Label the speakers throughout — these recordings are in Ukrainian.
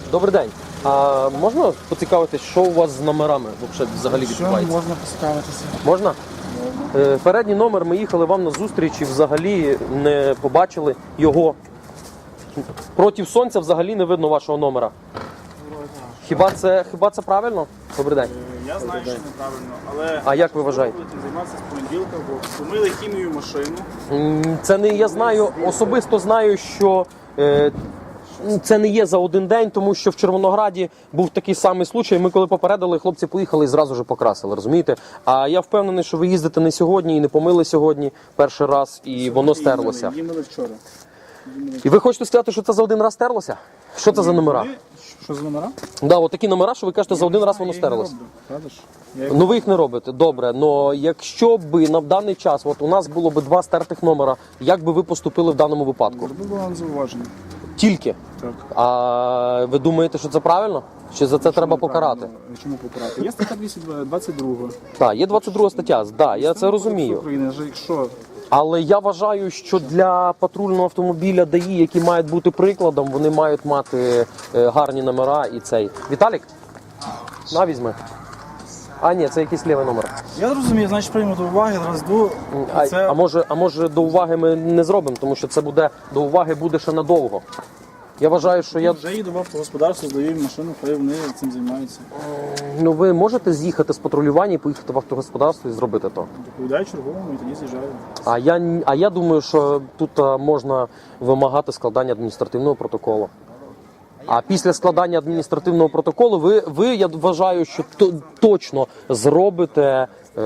Speaker 1: Добрий день. А можна поцікавитись, що у вас з номерами взагалі відбувається?
Speaker 2: Можна поцікавитися.
Speaker 1: Можна? Передній номер, ми їхали вам на зустріч і взагалі не побачили його. Проти сонця взагалі не видно вашого номера. Хіба це правильно? Добрий день.
Speaker 2: Я знаю, що неправильно, але...
Speaker 1: А як ви вважаєте?
Speaker 2: Будете займатися з понеділка, бо помили хімію машину.
Speaker 1: Це не я знаю, особисто знаю, що це не є за один день, тому що в Червонограді був такий самий случай. Ми коли попередили, хлопці поїхали і зразу ж покрасили, розумієте? А я впевнений, що ви їздите не сьогодні і не помили сьогодні перший раз, і воно стерлося.
Speaker 2: Їмили вчора.
Speaker 1: І ви хочете сказати, що це за один раз стерлося? Що це за номера?
Speaker 2: Що за номера?
Speaker 1: Да, от такі номера, що ви кажете, за один раз воно стерлося. Ну ви їх не робите, добре. Но якщо б на даний час, от у нас було б 2 стертих номера, як би ви поступили в даному випадку?
Speaker 2: Зробив вам зауваження.
Speaker 1: Тільки?
Speaker 2: Так.
Speaker 1: А ви думаєте, що це правильно? Чи за це треба покарати?
Speaker 2: Чому покарати? Є стаття 222.
Speaker 1: Так, є 22 стаття, да, я це розумію.
Speaker 2: України, якщо...
Speaker 1: Але я вважаю, що для патрульного автомобіля ДАІ, які мають бути прикладом, вони мають мати гарні номера і цей. Віталік? На, візьми. А, ні, це якийсь лівий номер.
Speaker 2: Я розумію, значить прийму до уваги, розду.
Speaker 1: А може до уваги ми не зробимо, тому що це буде до уваги буде ще надовго. Я вважаю, що я...
Speaker 2: Вже їду в автогосподарство, здаю їм машину, хай вони цим займаються.
Speaker 1: Ну ви можете з'їхати з патрулювання і поїхати в автогосподарство і зробити то?
Speaker 2: Доповідаю черговому і тоді з'їжджаю.
Speaker 1: А я думаю, що тут можна вимагати складання адміністративного протоколу. А після складання адміністративного протоколу ви я вважаю, що точно зробите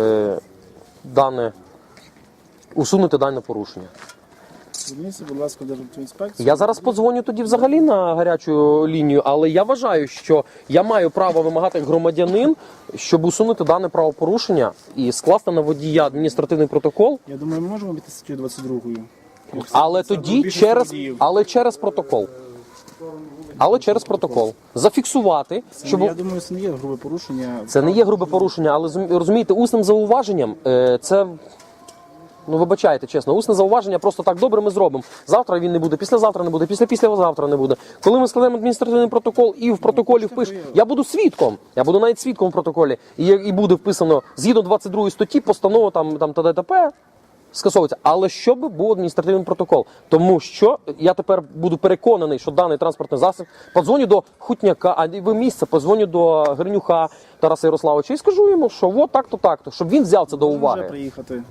Speaker 1: усунете дане порушення.
Speaker 2: Зверніться, будь ласка, Державтоінспекцію.
Speaker 1: Я зараз подзвоню тоді взагалі на гарячу лінію, але я вважаю, що я маю право вимагати як громадянин, щоб усунути дане правопорушення і скласти на водія адміністративний протокол.
Speaker 2: Я думаю, ми можемо обійти статтю 22.
Speaker 1: Але тоді через протокол. Але через протокол. Зафіксувати, щоб...
Speaker 2: Я думаю, це не є грубе порушення.
Speaker 1: Це не є грубе порушення, але розумієте, усним зауваженням це... Ну, вибачайте, чесно, усне зауваження просто так, добре, ми зробимо. Завтра він не буде, післязавтра не буде, післязавтра не буде. Коли ми складемо адміністративний протокол і в протоколі впишемо, я буду свідком, я буду навіть свідком в протоколі, і буде вписано, згідно 22 статті, постанова там ТДТП скасовується. Але щоб був адміністративний протокол. Тому що я тепер буду переконаний, що даний транспортний засіб, подзвоню до Хутняка, а ви місце, подзвоню до Гринюха Тараса Ярославовича і скажу йому, що от так-то, так-то, щоб він взяв це до уваги.
Speaker 2: Приїхати.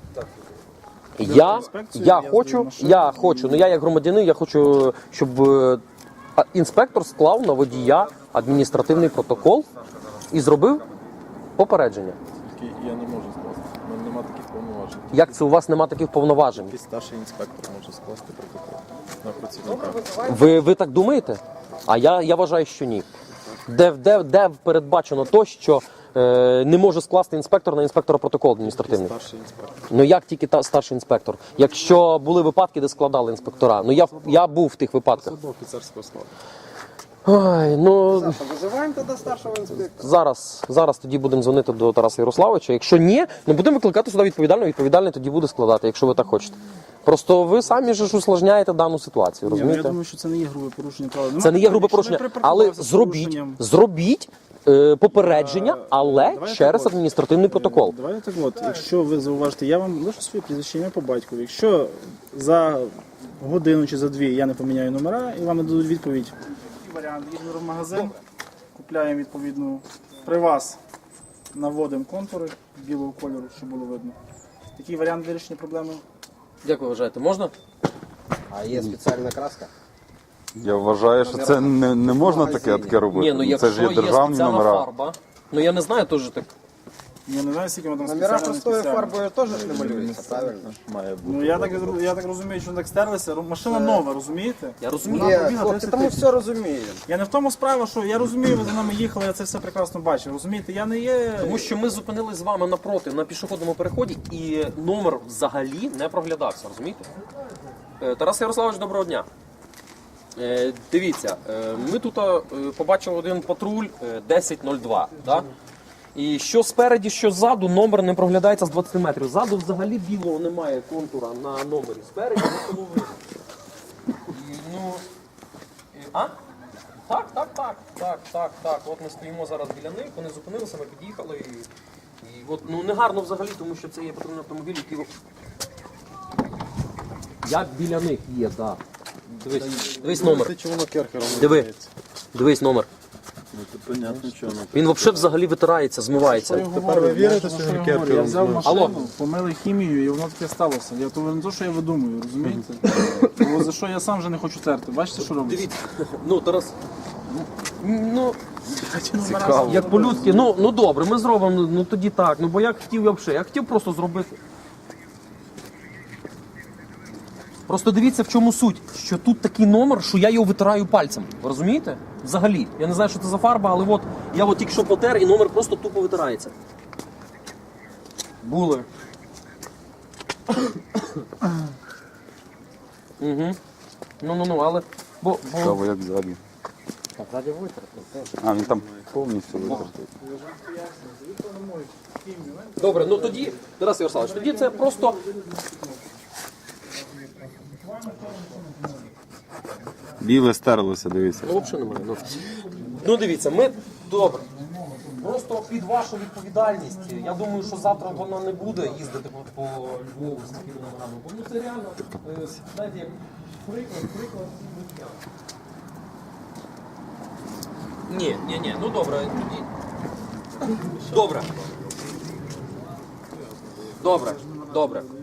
Speaker 1: Я хочу, ну я як громадянин, я хочу, щоб інспектор склав на водія адміністративний протокол і зробив попередження.
Speaker 3: Я не можу скласти, у мене немає таких повноважень.
Speaker 1: Як це у вас немає таких повноважень?
Speaker 3: Тільки старший інспектор може скласти протокол на працівника.
Speaker 1: Ви так думаєте? А я вважаю, що ні. Де передбачено то, що не може скласти інспектор на інспектора протокол адміністративний?
Speaker 3: Старший інспектор.
Speaker 1: Ну як тільки старший інспектор? Якщо були випадки, де складали інспектора. Ну я був в тих випадках.
Speaker 3: Це до офіцерського складу.
Speaker 1: Ой, ну
Speaker 4: Визиваємо тоді старшого інспектора.
Speaker 1: зараз тоді будемо дзвонити до Тараса Ярославовича. Якщо ні, ну будемо викликати сюди відповідальний тоді буде складати, якщо ви так хочете. Просто ви самі ж усложняєте дану ситуацію, розумієте?
Speaker 2: Я думаю, що це не є грубе порушення права.
Speaker 1: Це не є грубе порушення, але зробіть попередження, але через адміністративний протокол.
Speaker 2: Давайте так от, якщо ви зауважите, я вам лишу своє прізвище ім'я по батькові. Якщо за годину чи за 2 я не поміняю номера і вам не дадуть відповідь. Варіант, їдемо в магазин, купляємо відповідну, при вас наводимо контури білого кольору, щоб було видно. Такий варіант вирішення проблеми.
Speaker 1: Як ви вважаєте, можна?
Speaker 4: А є спеціальна краска?
Speaker 5: Я вважаю, що це не можна таке робити.
Speaker 1: Ні, ну
Speaker 5: Це ж
Speaker 1: якщо
Speaker 5: є державні
Speaker 1: спеціальна
Speaker 5: номера.
Speaker 1: фарба, ну я не знаю теж так.
Speaker 2: Я не знаю, скільки ми там
Speaker 4: Номера простою
Speaker 2: спеціально.
Speaker 4: фарбою теж не малюються, правильно?
Speaker 3: Має бути.
Speaker 2: Ну я так розумію, що так стерлися. Машина нова, розумієте?
Speaker 1: Я розумію.
Speaker 4: Ні,
Speaker 2: побігла,
Speaker 4: хлопці,
Speaker 2: 30
Speaker 4: тому
Speaker 2: тисяч.
Speaker 4: все розуміємо.
Speaker 2: Я не в тому справа, що я розумію, ви за нами їхали, я це все прекрасно бачив. Розумієте, я не є.
Speaker 1: Тому що ми зупинились з вами напроти на пішохідному переході і номер взагалі не проглядався, розумієте? Тарас Ярославович, доброго дня. Дивіться, ми тут побачили один патруль 1002, да? І що спереді, що ззаду, номер не проглядається з 20 метрів. Ззаду взагалі білого немає контура на номері. Спереді нікому видно. Ну, Так. От ми стоїмо зараз біля них, вони зупинилися, ми під'їхали і от, ну негарно взагалі, тому що це є патрульний автомобіль, який... Я біля них є, так. Дивись номер.
Speaker 3: Чи воно керхером
Speaker 1: Дивись номер.
Speaker 3: Ну, то понятно, що воно.
Speaker 1: Він взагалі витирається, змивається.
Speaker 3: Тепер ви вірите, що він
Speaker 2: Я
Speaker 3: керхером
Speaker 2: взяв
Speaker 3: змив?
Speaker 2: машину,
Speaker 1: Алло.
Speaker 2: помили хімію і воно таке сталося. Я то не то, що я видумую, розумієте? Бо за що я сам вже не хочу терти. Бачите, що робиться?
Speaker 1: Ну, Тарас. Ну,
Speaker 2: Цікаво.
Speaker 1: як по-людськи, ну добре, ми зробимо, ну тоді так. Ну бо я хотів взагалі, я хотів просто зробити. Просто дивіться, в чому суть, що тут такий номер, що я його витираю пальцем. Ви розумієте? Взагалі. Я не знаю, що це за фарба, але от я от тільки що потер і номер просто тупо витирається. Були. Угу. Ну, але.
Speaker 5: Цікаво, як ззаді. А, він там повністю витертий.
Speaker 1: Добре, ну тоді, Тарас Ярославович, тоді це просто.
Speaker 5: Біле стерлося, дивіться.
Speaker 1: Ну, взагалі немає. Ну дивіться, ми добре. Просто під вашу відповідальність. Я думаю, що завтра вона не буде їздити по Львову з такими номерами. Бо ну це реально, знаєте, як приклад життя. Ні, ну добре, тоді. Добре.